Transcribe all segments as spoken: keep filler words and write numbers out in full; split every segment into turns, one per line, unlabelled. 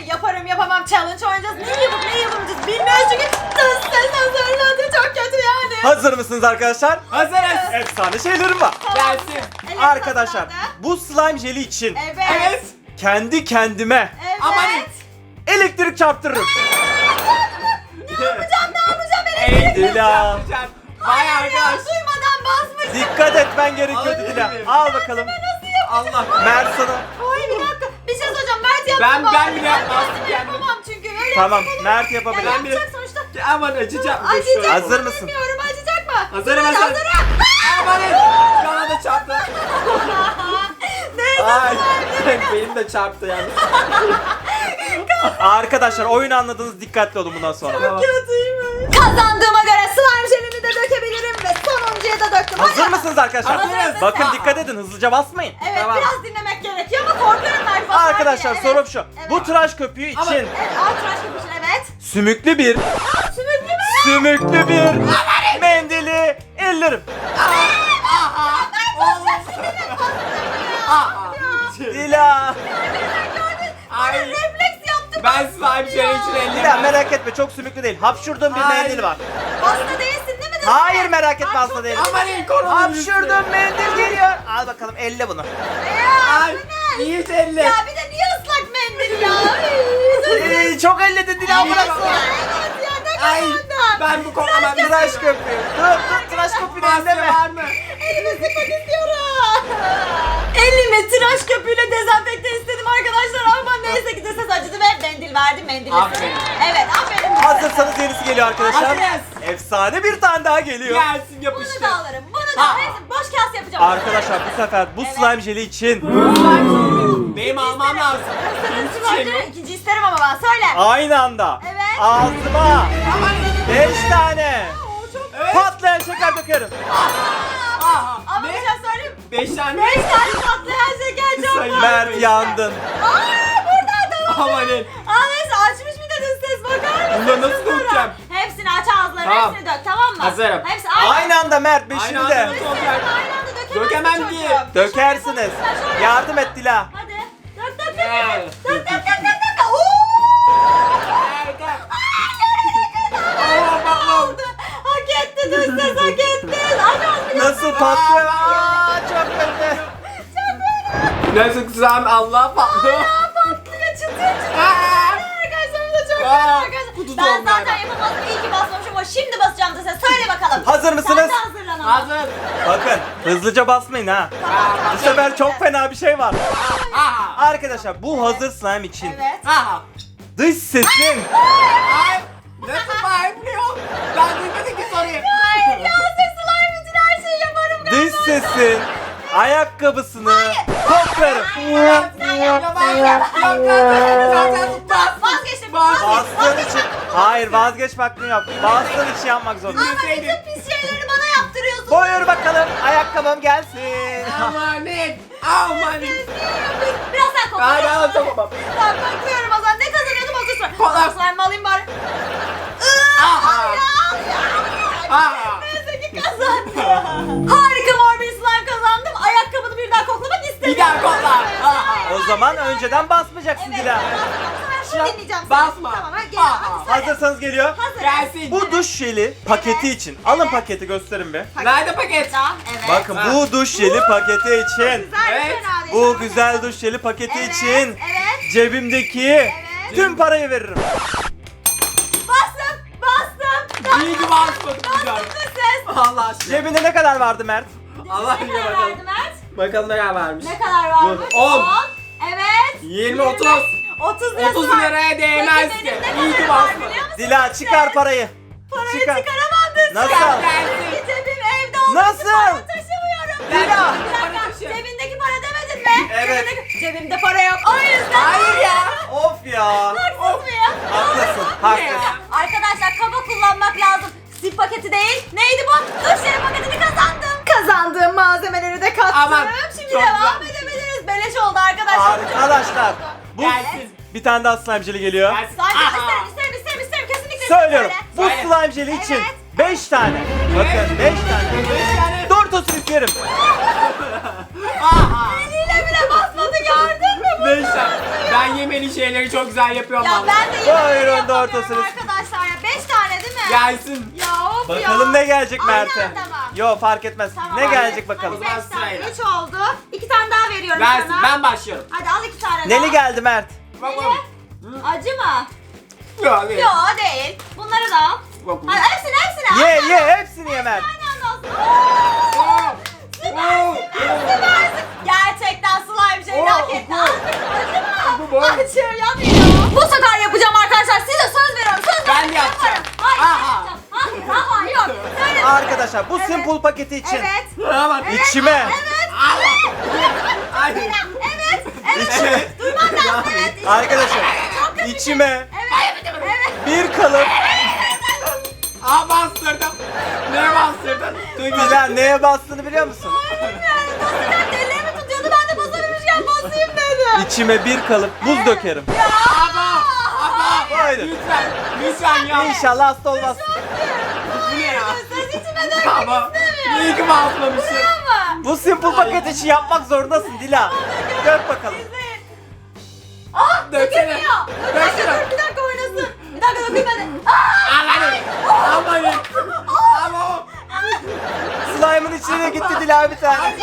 Yaparım yapamam challenge oynayacağız. Ne yapıp ne yapamayacağız bilmiyoruz çünkü dış ses hazırladı. Çok kötü yani.
Hazır mısınız arkadaşlar?
Hazırız.
Efsane şeylerim var.
Gelsin.
Ellerinizi
Arkadaşlar
hazırladı.
bu slime jeli için
Evet.
Evet.
kendi kendime
Evet.
Aman.
elektrik çarptırırım.
Ne yapacağım ne yapacağım ben
Evet.
elektrik
Dila.
Yapacağım. Vay
ya,
arkadaş.
duymadan basmış.
Dikkat etmen gerekiyordu
Alabilir
Dila.
miyim?
Al bakalım.
Allah.
Mert sana.
Ay bir dakika. Bir şey söyleyeceğim. Mert yaptı
Ben-
bari.
ben bile yapmazdım
kendim
kendim.
yapamam çünkü. Öyle
Tamam,
yapmak olur.
Mert
Ya
yapabilir.
Ben bile-
yapacak sonuçta.
Aman acıyacak.
Acıyacak
Hazır
mı
mısın?
bilmiyorum. Acıyacak mı?
Hazırım,
Hadi,
hazırım.
hazırım.
Aman. Bana da çarptı.
Neyse.
Ay. Benim de çarptı yani.
Arkadaşlar oyunu anladınız, dikkatli olun bundan sonra.
Tamam.
Kötüymüş. Kazandığıma göre slime jelimi de dökebilirim ve sonuncuya da döktüm.
Hazır
Hadi.
mısınız arkadaşlar?
Hazırız.
Bakın
Aa.
dikkat edin, hızlıca basmayın.
Evet
Tamam.
biraz dinlemek gerekiyor ama korkuyorum Mert basar
Arkadaşlar
diye.
sorum
Evet.
şu.
Evet.
Bu tıraş köpüğü için
Ama-
Evet, al tıraş köpüğü, evet.
sümüklü bir
Sümüklü mü?
sümüklü bir mendili ellerim.
Aha. Aha.
Dila.
Ay.
Refleks yaptım.
Ben slime şey için ellerim.
Dila merak etme, çok sümüklü değil. Hapşurduğum bir
Hayır.
mendil var.
Hasta değilsin değil mi?
Hayır, merak etme, hasta değilim.
Aman iyi korona.
Hapşurduğum mendil geliyor. Al bakalım, elle bunu.
Ya,
Ay.
bu ne?
İyi elle.
Ya bir de niye ıslak mendil ya?
Ee, çok elledin Dila, bırak.
Evet ya ne
Ay.
kadar.
Ben bu koklaman
Tıraş köpüğü. Dur dur, tıraş köpüğünü
Maske
elleme.
var mı?
Elimi sıkmak istiyorum. Elimi tıraş köpüğüyle dezenfekte istedim arkadaşlar ama neyse ki de ses acıdı ve mendil verdim mendil.
Aferin.
Evet aferin.
Hazırsanız yenisi geliyor arkadaşlar.
Hazırız.
Efsane bir tane daha geliyor.
Gelsin
Bunu
yapıştır.
da alırım. Bunu da
Ha.
hepsini boş kağıt yapacağım.
Arkadaşlar bu sefer bu
Evet.
slime jeli için
Benim almam lazım. Benim
Sırası
hiçbir şeyim
var.
yok.
İkinci isterim ama ben söyle.
aynı anda
Evet.
ağzıma
Aman.
beş tane
Evet.
patlayan şeker dökerim.
Aha.
Ama bir
Ne?
şey söyleyeyim.
Beş tane.
Beş tane patlayan şeker çok
Sayın
var.
Mert yandın.
Aa burada adam.
Amanın.
Aa neyse açmış bir de dış ses bakar mısın?
Bunları nasıl
Şunlara?
dökeceğim?
Hepsini aç ağızlarını
Tamam.
hepsini dök tamam mı?
Hazırım.
Hepsi aynı.
Aynı anda Mert, beşini
Aynı
de.
anda
Dış
nasıl
ses
olacak?
aynı anda dökemezsin
Dökemem
çocuğum.
ki.
Dökersiniz.
Sen şöyle yap.
Yardım et Dila.
Hadi. Dök dök dök
Gel.
dök. Dök dök dök dök dök. Oo!
Nerede?
Oldu. Hak etti dış ses hak etti. Aç ağzını.
Nasıl patlıyor? Aa, çok kötü.
Nasıl kızım Allah patlıyor.
Aa patlıyor çıtır çıtır.
Aa.
Arkadaşlar bu da çok
Aa,
kötü arkadaşlar.
kutusu
Ben
olmayan.
zaten yapamazdım. İyi ki basmamışım ama şimdi basacağım dış ses. Söyle bakalım.
Hazır mısınız?
Sen de hazırlan ama.
Hazır.
Bakın hızlıca basmayın ha.
Aa,
Bu sefer çok fena bir şey var.
Aha.
Arkadaşlar bu hazır slime için
Evet.
Aha.
dış sesin
Ay. Nasıl bağırmıyor? Ben duymadım ki soruyu.
Hayır ya ses slime için her şeyi yaparım galiba.
dış sesin ayakkabısını koklarım.
Bas, vazgeçtim.
Bas.
Bastığın için. Hayır, vazgeç hakkın yok. Bastığın için yapmak zorundasın.
Ama bütün pis şeyleri bana yaptırıyorsun.
Buyur bakalım, ayakkabım gelsin.
Amanet. Amanet.
Biraz sen kokla.
Hadi al tamam.
Ben kokluyorum o zaman. Ne kazanıyordum o sıra.
Kokla.
Slime mi alayım bari?
Aha.
Al ya, al ya, al ya.
Aha.
Neyse ki kazandım. Harika mor bir slime kazandım. Ayakkabını bir daha koklamak istemiyorum.
Bir daha kokla. Aha.
O zaman önceden basmayacaksın
Evet.
Dila.
Şimdi dinleyeceğim seni.
Basma.
Tamam hadi gel.
Aa.
Hadi söyle.
Hazırsanız geliyor.
Hazır.
Gelsin.
Bu duş jeli paketi
Evet.
için. Alın
Evet.
paketi, gösterin bir.
Nerede paket?
Tamam, evet.
Bakın
Ha.
bu duş jeli paketi için.
Güzel,
Evet.
fena değil.
Bu
Tamam.
güzel duş jeli paketi
Evet,
için
Evet.
cebimdeki
Evet.
tüm parayı veririm.
Bastım. Bastım.
İyi ki basmadın güzel.
Bastım da ses.
Allah aşkına.
Cebinde ne kadar vardı Mert?
Allah
Ne
aşkına
kadar
bakalım.
verdi Mert?
Bakalım ne kadar vermiş.
Ne kadar varmış?
Dur, on.
Evet.
Yirmi, otuz.
otuz lirası
otuz
var.
liraya değmez
Peki
ki.
benim ne
İyi ki
kadar var
basmadın.
biliyor musun?
Dila çıkar parayı.
Parayı
Çıkar.
çıkaramazdın.
Nasıl?
Çıkar.
Gelsin.
Çünkü cebim evde olduğu
Nasıl?
için para taşımıyorum.
Dila.
Bir
Para
dakika.
taşı.
Cebindeki para demedin mi?
Evet.
Cebindeki- Cebimde para yok. O yüzden.
Hayır ya.
Of ya.
Haksız mıyım?
Haklısın, haklısın.
Arkadaşlar kaba kullanmak lazım. Sip paketi değil. Neydi bu? Duş jeli paketini kazandım. Kazandığım malzemeleri de kattım.
Aman,
Şimdi
çok
devam
güzel.
edebiliriz. Beleş oldu arkadaşlar.
Arkadaşlar bu
Gelsin.
bir tane daha slime jeli geliyor.
Gelsin.
Zaten
Aha.
isterim, isterim, isterim, isterim. Kesinlikle
Söylüyorum.
isterim.
Bu
Söyle.
slime jeli için
Evet.
beş tane. Bakın beş tane.
Beş tane.
Doritos isterim.
Aha.
Eliyle bile basmadı gördün mü? Bu
Beş tane. Ben yemin pembeli şeyleri çok güzel yapıyorum.
Ya
vallahi.
ben de yemek
Buyurun
yapamıyorum
Dortos'unuz.
arkadaşlar ya. Beş tane değil mi?
Gelsin.
Ya of ya.
Bakalım ne gelecek
Aynen,
Mert'e.
tamam.
Yo fark etmez.
Tamam,
ne
hadi.
gelecek bakalım.
Hadi
O
beş
zaman
tane.
sırayla.
Üç oldu. İki tane daha veriyorum
Versin.
sana.
Ben başlıyorum.
Hadi al iki tane daha.
Neli geldi Mert?
Bak bak.
Neli? Acı mı?
Yok değil.
Yo değil. Bunları da al.
Bak, bak.
Hadi hepsini hepsini.
Ye
Aynen.
ye hepsini ye Mert.
Aynen olsun.
Oo.
Süpersin. Süpersin. Gerçekten slime şeyini
Oo,
hak etti.
oo.
Acı mı?
Bu boy.
Acı yanıyor. Bu sefer yapacağım arkadaşlar. Size söz veriyorum. Söz
Ben
veriyorum.
de yapacağım.
Yaparım. Hayır
Aha.
yapacağım. Hayır ama yok. Söyle.
Arkadaşlar bu
Evet.
simple paketi için.
Evet.
Tamam.
Evet.
İçime.
Evet.
Ay.
Evet. Evet.
İçime.
Duyman lazım. Evet.
Arkadaşlar
Çok kötü bir şey.
içime
Evet. Evet.
bir kalıp.
Aa bastırdım. Ne bastırdın? Duymadım.
Dila neye bastığını biliyor musun?
Yani basacak ellerimi tutuyordu. Ben de basabilmişken basayım dedim.
İçime bir kalıp buz dökerim.
Ama. Ama.
Buyurun.
Lütfen. Lütfen ya.
İnşallah hasta olmaz.
Bu ne ya?
Sen içime dönmek
Ama.
istemiyorum.
İyi ki basmamışsın.
Ama.
Bu simple paket işi yapmak zorundasın Dila. Dök bakalım.
Ah
Döksene.
dökülmüyor. Dur, bir dakika,
Döksene.
dur, bir dakika oynasın. Bir dakika dökülmedi. Ah!
Amanın. Amanın. Ama.
Slime'ın içine gitti Dila bir tane.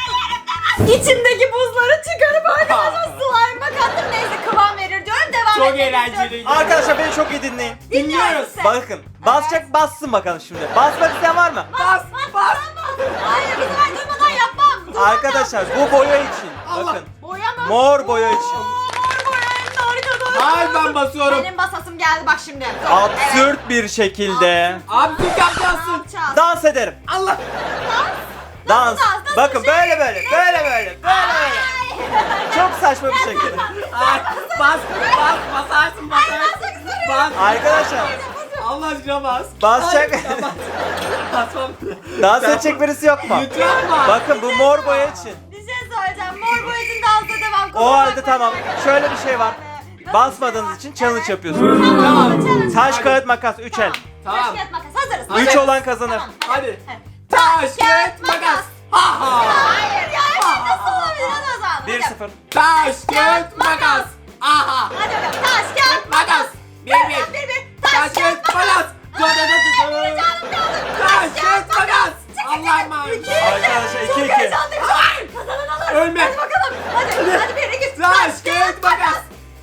İçindeki buzları çıkarıp arkadaşlar slime'a kattım. Neyse kıvam verir diyorum. Devam
Çok
edelim
eğlenceliydi.
Arkadaşlar beni çok iyi dinleyin.
Dinliyoruz.
sen.
Bakın basacak bassın bakalım şimdi. Basmak isteyen var mı?
Bas. Bas.
Hayır bir sefer durmadan yapmam. Durmadan.
Arkadaşlar bu boya için.
Allah.
Bakın.
Boya mı?
Mor boya için.
Oo, Mor boya en harika doğru.
Hayır ben basıyorum.
Benim basasım geldi bak şimdi.
Absürt bir şekilde
Abi Türk yapacaksın.
Yapacağız.
dans ederim.
Allah.
Dans.
Nasıl dans? Nasıl
Bakın
bir şey?
böyle böyle böyle böyle böyle böyle. Çok saçma bir şekilde.
Ay, bas. Bas. Basarsın basarsın. Bas.
Arkadaşlar
Allah aşkına bas.
basacak.
Ay, ya bas. Basmam.
Dans edecek birisi yok mu?
Lütfen bas.
Bakın bu mor boya için.
Bir şey söyleyeceğim. Mor boya için dansa devam.
O halde tamam. Şöyle bir şey var. Basmadığınız için challenge yapıyorsunuz.
Tamam. challenge.
Taş kağıt makas üç el.
Tamam.
Tamam.
Taş kağıt makas. Hazırız.
Hadi.
üç
Hazırız.
olan kazanır.
Tamam,
Hadi.
Evet.
Taş, kağıt, makas. Ha ha.
Hayır ya şimdi nasıl olabilir hadi o zaman.
bir
Hadi.
sıfır.
Taş, kağıt, makas. Aha.
Hadi bakalım. Taş kağıt
Makas. Bir bir.
Bir bir.
Taş, kağıt, makas. Dur, dur, dur, dur, dur.
Canım kaldı.
Taş, kağıt, makas. Allah'ım
İki.
Arkadaşlar, iki,
Çok
iki.
heyecanlıyım. Hayır. Kazanan alır.
Ölme.
Hadi bakalım. Hadi. Hadi bir iki.
Taş, kağıt, makas.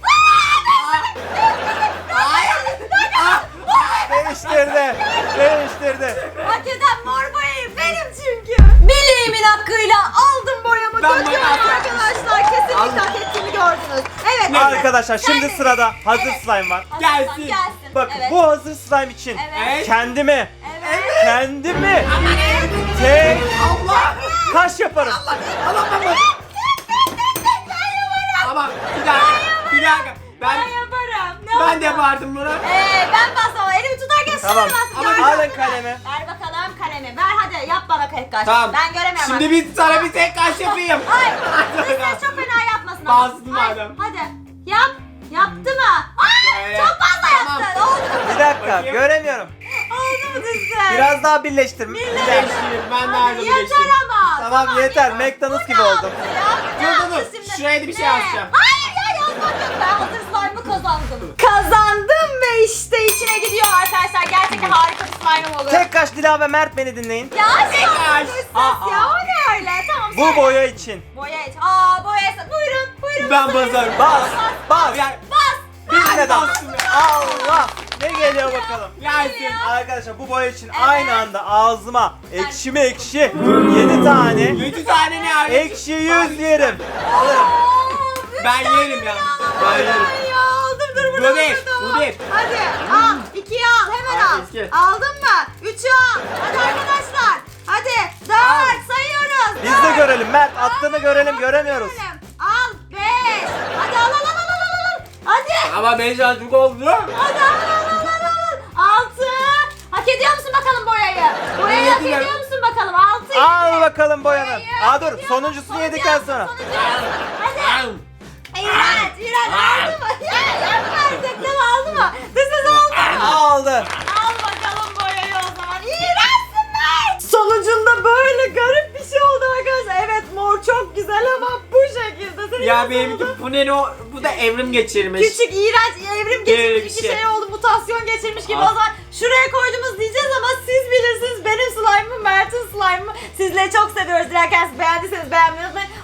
Hayır.
Ah.
Değiştirdi. Değiştirdi.
Hak eden mor boyayı benim çünkü. Bileğimin hakkıyla aldım boyamı.
Ben
Döküyorum
makas
arkadaşlar. Kesinlikle
Al.
hak ettiğimi gördünüz. Evet.
Arkadaşlar şimdi
Geldi.
sırada hazır
Evet.
slime var.
Hazır
Gelsin.
slime Gelsin.
Bakın
Evet.
bu hazır slime için
Evet.
kendimi
Evet.
kendimi tek
Allah.
kaş yaparım.
Allah baba. Ama bir dakika. Bir dakika.
Ben
Ben
yaparım. Ne
ben de
oldu?
yapardım bunu.
Ee, ben basmam. Elimi tutarken
Tamam.
şöyle bas.
Ama
Gördün
alın
mü?
kalemi.
Ver bakalım kalemi. Ver hadi yap bana tek kaş.
Tamam.
Ben göremiyorum.
Şimdi
bak.
bir sana bir tek kaş yapayım.
Hayır. Dış ses çok fena yapmasın. ama.
Bastım
Hayır,
madem.
Hadi. Yap. Yaptı mı? Ay,
Şöyle.
çok fazla
Tamam.
yaptın. Oldu mu?
Bir dakika
Bakayım.
göremiyorum.
Oldu mu dış ses?
Biraz daha birleştir. Bir dakika.
Birleşeyim. Ben de
Hadi
ayrı
yeter
birleşeyim.
ama.
Tamam yeter. McDonald's gibi oldum.
Ne
Dur, dur,
yaptı
dur.
şimdi?
Şuraya da bir şey
Ne?
yazacağım.
Hayır ya yazmak yok. Ben hazır slime'ı kazandım. Kazandım ve işte içine gidiyor arkadaşlar. Gerçekten harika bir slime'ım olur.
Tek kaş Dila ve Mert beni dinleyin.
Ya
Tek
şu
kaş.
dış ses
Aa,
ya
aa.
o ne öyle? Tamam
Bu
söyle.
boya için.
Boya iç. Aa boya iç. Buyurun buyurun.
Ben
basın.
basarım.
Bas. Bas.
Ya,
Bas.
Bir dans.
bastım ya.
Allah. Ne geliyor bakalım.
Gelsin.
Arkadaşlar bu boya için aynı anda ağzıma ekşi mi ekşi yedi tane
Yedi tane ne abi?
ekşi yüz yerim. Alırım.
Oo,
Ben
üç tane
yerim ya.
bile alamam
Ben yerim.
Ya aldım dur
Bu
burada.
bir,
burada.
bu bir.
Hadi al. İkiyi al hemen
Hadi,
al.
iki.
Aldın mı? Üçü al. Hadi arkadaşlar. Hadi dört sayıyoruz.
Biz de
Dört.
görelim Mert attığını
Al,
görelim
al,
göremiyoruz.
görelim. Al beş. Hadi al al al al al al. Hadi.
Ama ben çocuk oldu.
Hadi al al al al al. Altı. Hak ediyor musun bakalım boyayı? Boyayı hak
Ediyorum.
ediyor musun bakalım? Altı.
Al bakalım boyanı.
Boyayı
Aa
hak
dur
ediyor
sonuncusunu
musun?
yedikten
Sonuncu-
sonra.
sonuncu. Hadi. İğrenç, iğrenç. Aldı mı? Ya yapma artık. Değil mi? Aldı mı? This is oldu mu?
Aldı.
Al bakalım boyayı o zaman. İğrençsin be. Sonucunda böyle garip bir şey oldu arkadaşlar. Evet mor çok güzel ama bu şekilde. Senin
Ya
nasıl
benimki
oldu?
bu ne o bu bu da evrim geçirmiş.
Küçük, iğrenç, evrim geçirmiş
Böyle bir
bir
şey.
şey oldu, mutasyon geçirmiş gibi.
Ah.
O zaman şuraya koydunuz diyeceğiz ama siz bilirsiniz. Benim slime'ımı, Mert'in slime'ımı sizleri çok seviyoruz. Dilerseniz beğendiyseniz beğenmeyi unutmayın.